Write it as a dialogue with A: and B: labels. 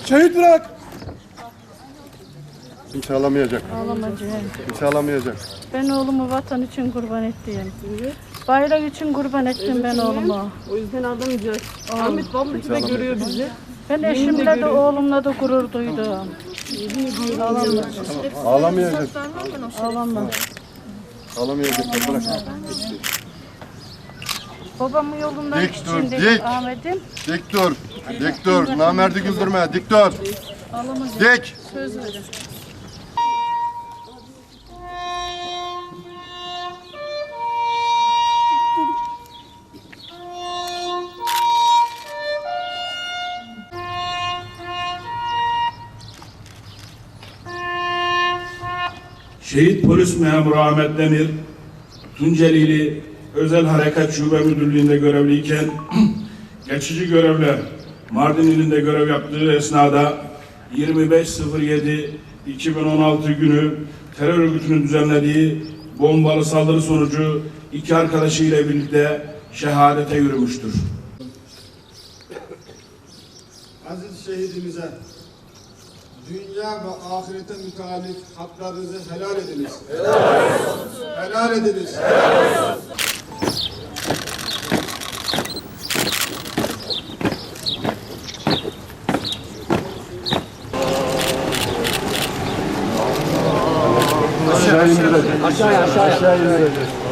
A: Şehit bırak. Kimse alamayacak.
B: Ağlamayacağım.
A: Kimse alamayacak.
B: Ben oğlumu vatan için kurban ettim. Bayrak için kurban ettim ben oğlumu.
C: O yüzden alamayacağız. Ahmet vallahi de görüyor bizi.
B: Ben eşimle de oğlumla da gurur duydum.
A: Ağlamayacak.
B: Ağlamam.
A: Alamayacaklar. Bırak.
B: Babamın yolundan
A: Dik dur,
B: içindeki
A: dik.
B: Ahmet'im
A: Dik dur. Dik dur. Namerdi güldürme. Dik dur.
B: ağlamayacak.
A: Dik.
B: Söz verin.
D: Şehit polis memuru Ahmet Demir, Tunceli'li Özel Harekat Şube Müdürlüğü'nde görevliyken geçici görevle Mardin ilinde görev yaptığı esnada 25.07.2016 günü terör örgütünün düzenlediği bombalı saldırı sonucu 2 arkadaşıyla birlikte şehadete yürümüştür.
E: Aziz şehidimize dünya ve ahirete müteallik haklarınızı helal ediniz. Helal olsun. Helal ediniz. Helal olsun.
A: Aşağı indirecek. Aşağı indirecek.